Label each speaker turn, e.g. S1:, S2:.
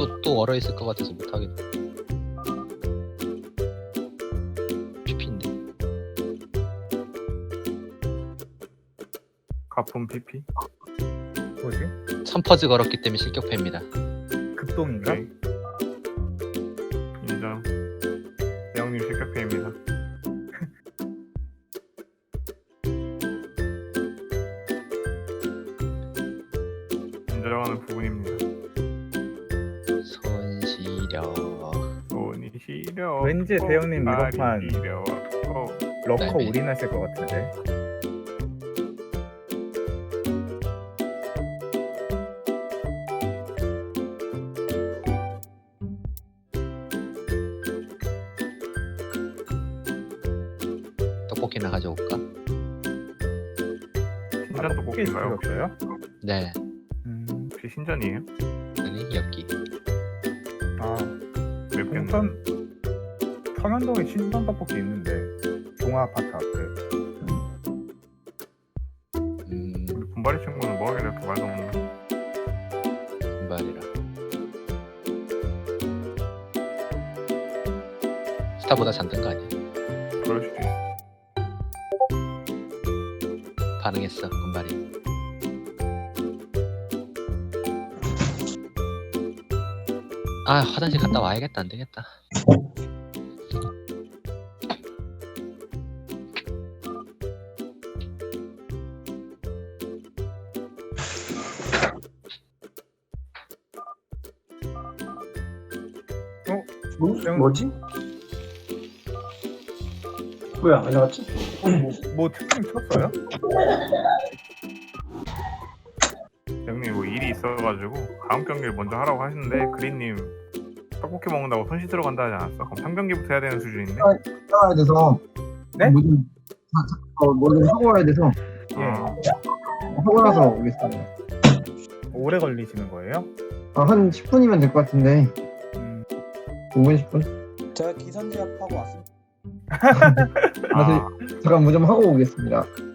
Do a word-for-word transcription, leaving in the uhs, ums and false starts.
S1: 또 또 얼어 있을 것 같아서 못 하겠다. 피피인데.
S2: 가품 피피.
S3: 뭐지?
S1: 삼퍼즈 걸었기 때문에 실격패입니다.
S3: 급동인가?
S2: 네. 인정. 대형님 실격패입니다. 인정하는 부분입니다.
S1: 손시려.
S2: 돈이 시려.
S3: 왠지 대형님 이번판
S2: 시려.
S3: 러커
S1: 네.
S3: 올인하실 것 같은데.
S1: 떡볶이나 가져올까?
S2: 신전 떡볶이인가요? 혹시?
S3: 없어요?
S1: 네.
S3: 음,
S2: 혹시 신전이에요?
S1: 아니 엽기.
S3: 아,
S2: 맵겠네.
S3: 동선 서면동에 신선 떡볶이 있는데 동아 아파트 앞에.
S1: 음,
S2: 우리 분발이 친구는 뭐하길래 이렇게 말도 없나?
S1: 금발이라. 스타보다 잔든 거 아니야?
S2: 그럴 수도 있어.
S1: 반응했어 금발이. 아 화장실 갔다 와야겠다. 안 되겠다.
S4: 뭐, 뭐지? 왜 안 나갔지?
S3: 뭐, 뭐 특징 쳤어요?
S2: 형님 뭐 일이 있어가지고 다음 경기를 먼저 하라고 하시는데 그린님 떡볶이 먹는다고 손 씻으러 간다 하지 않았어? 그럼 삼 경기부터 해야 되는 수준인데?
S4: 나가야 돼서
S3: 네?
S4: 뭐좀 어, 뭐좀 하고 와야 돼서
S3: 예.
S2: 어,
S4: 하고 나서 오겠습니다.
S3: 오래 걸리시는 거예요?
S4: 아, 한 십 분이면 될 것 같은데
S3: 음,
S4: 오 분 십 분?
S5: 제가 기선제압하고 왔습니다.
S2: 아,
S4: 잠깐 뭐 좀 하고 오겠습니다.